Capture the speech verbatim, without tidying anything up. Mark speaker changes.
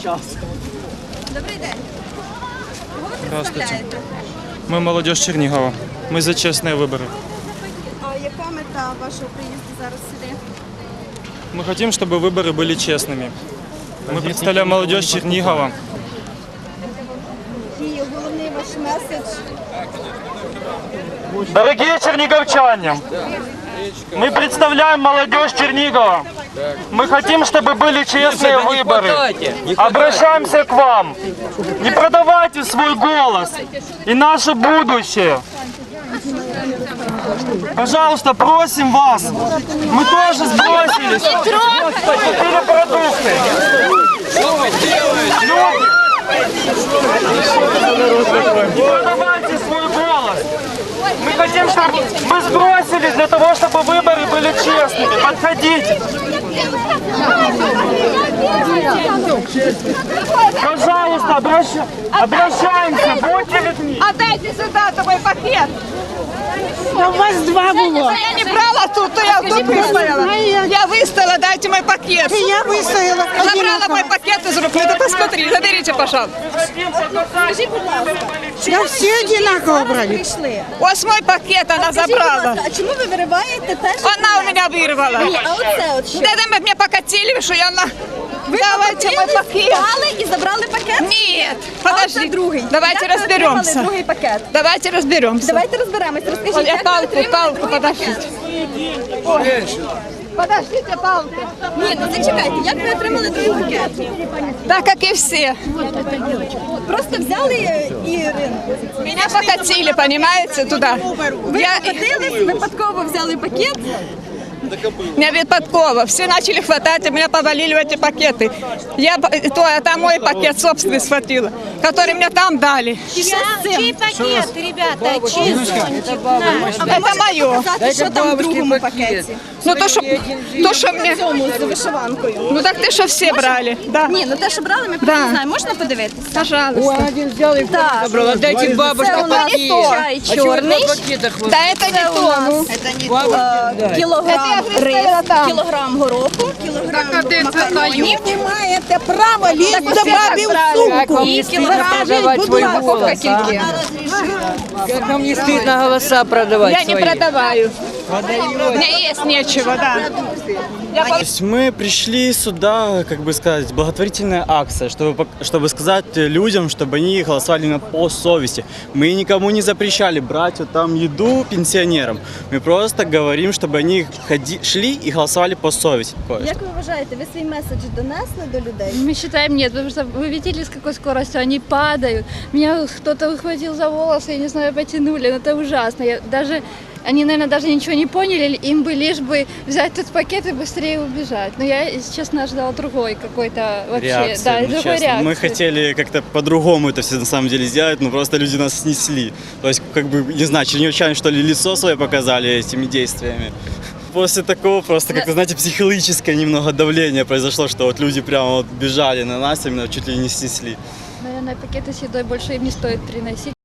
Speaker 1: Добрий день. Кого ви представляєте?
Speaker 2: Ми молодіж Чернігова. Ми за чесні вибори.
Speaker 1: А яка мета вашого приїзду зараз сюди?
Speaker 2: Мы хотим, чтобы выборы были честными. Мы представляем молодежь Чернигова.
Speaker 1: І головний ваш меседж?
Speaker 2: Дорогие черниговчане, мы представляем молодежь Чернигова. Мы хотим, чтобы были честные выборы. Обращаемся к вам. Не продавайте свой голос и наше будущее. Пожалуйста, просим вас. Мы тоже сбросились. Купили продукты. Не продавайте свой голос. Мы хотим, чтобы мы сбросились для того, чтобы выборы были честными. Подходите. Пожалуйста, обращ- обращаемся, будьте людьми.
Speaker 3: Отдайте сюда твой пакет.
Speaker 4: У вас два было.
Speaker 3: Я не брала тут, то я тут выстояла. Я выстояла, дайте мой пакет.
Speaker 4: Я выстояла.
Speaker 3: Забрала мой пакет из рук. Это посмотри, заберите, пожалуйста.
Speaker 4: Да все одинаково брали.
Speaker 3: Вот мой пакет она
Speaker 1: Скажіть, будь
Speaker 3: забрала.
Speaker 1: ласка, а чому ви вириваєте те, що...
Speaker 3: Она у меня вырвала.
Speaker 1: Ні, а оце от що?
Speaker 3: Да это мне покатили, что я на...
Speaker 1: Ви
Speaker 3: Давайте мой пакет.
Speaker 1: впали і забрали пакет?
Speaker 3: Нет,
Speaker 1: А оце
Speaker 3: подожди.
Speaker 1: другий.
Speaker 3: Давайте
Speaker 1: Як ви отримали
Speaker 3: разберемся.
Speaker 1: другий пакет?
Speaker 3: Давайте разберемся.
Speaker 1: Давайте розберемось. Розкажіть,
Speaker 3: Я
Speaker 1: як ви
Speaker 3: палку,
Speaker 1: отримали
Speaker 3: палку,
Speaker 1: другий
Speaker 3: подождите.
Speaker 1: пакет?
Speaker 3: Подождите, палку.
Speaker 1: Ні, ну зачекайте, як ви отримали другий пакет?
Speaker 3: Так, как и все.
Speaker 1: Просто взяли і ринку.
Speaker 3: Меня покатили, понимаете, туда.
Speaker 1: Ви
Speaker 3: Я...
Speaker 1: покотились, випадково взяли пакет.
Speaker 3: Меня Випадково. Все начали хватать, и меня повалили в эти пакеты. Я, то, это мой пакет собственный схватила, который мне там дали.
Speaker 5: Чей пакет, ребята? Чей зонтик?
Speaker 3: Это мое.
Speaker 1: Сказати, що там в другому пакеті.
Speaker 3: Ну то, что, то, что мне...
Speaker 1: Цьому з вишиванкою.
Speaker 3: Ну так ты что все брали? Да.
Speaker 1: Ні, ну те, що брали, ми
Speaker 3: Да.
Speaker 1: просто не знаємо. Можна подивитися?
Speaker 3: Пожалуйста.
Speaker 1: Так.
Speaker 5: Дайте бабушке
Speaker 1: Це у нас чай чорний,
Speaker 3: Да это не то.
Speaker 1: е, кілограм
Speaker 3: Це я
Speaker 1: рис,
Speaker 3: представила там.
Speaker 1: кілограм гороху, кілограм макаронів.
Speaker 4: Не маєте права лізти до
Speaker 3: все
Speaker 4: бабі в
Speaker 3: так
Speaker 4: сумку.
Speaker 5: не стыдно продавать свой голос, а? Как вам не стыдно голоса продавать
Speaker 3: Я не
Speaker 5: свои?
Speaker 3: продаваю. У меня есть нечего, да. Я
Speaker 6: То есть мы пришли сюда, как бы сказать, благотворительная акция, чтобы, пок- чтобы сказать людям, чтобы они голосовали именно по совести. Мы никому не запрещали брать вот там еду пенсионерам. Мы просто говорим, чтобы они ходи, шли и голосовали по совести.
Speaker 1: Як ви вважаєте, ви свій меседж донесли до людей?
Speaker 7: Мы считаем нет, потому что вы видели, с какой скоростью они падают. Меня кто-то выхватил за волосы, я не знаю, потянули. Ну, это ужасно. Я даже, они, наверное, даже ничего не поняли. Им бы лишь бы взять этот пакет и быстрее убежать. Но я, если честно, ожидала другой какой-то вообще.
Speaker 6: Реакция,
Speaker 7: да,
Speaker 6: ну,
Speaker 7: другой
Speaker 6: честно.
Speaker 7: реакции.
Speaker 6: Мы хотели как-то по-другому это все на самом деле сделать, но просто люди нас снесли. То есть, как бы, не знаю, чернигівчане, что ли, лицо свое показали этими действиями. После такого просто, как-то, знаете, психологическое немного давление произошло, что вот люди прямо вот бежали на нас, именно чуть ли не снесли.
Speaker 7: Наверное, пакеты с едой больше им не стоит приносить.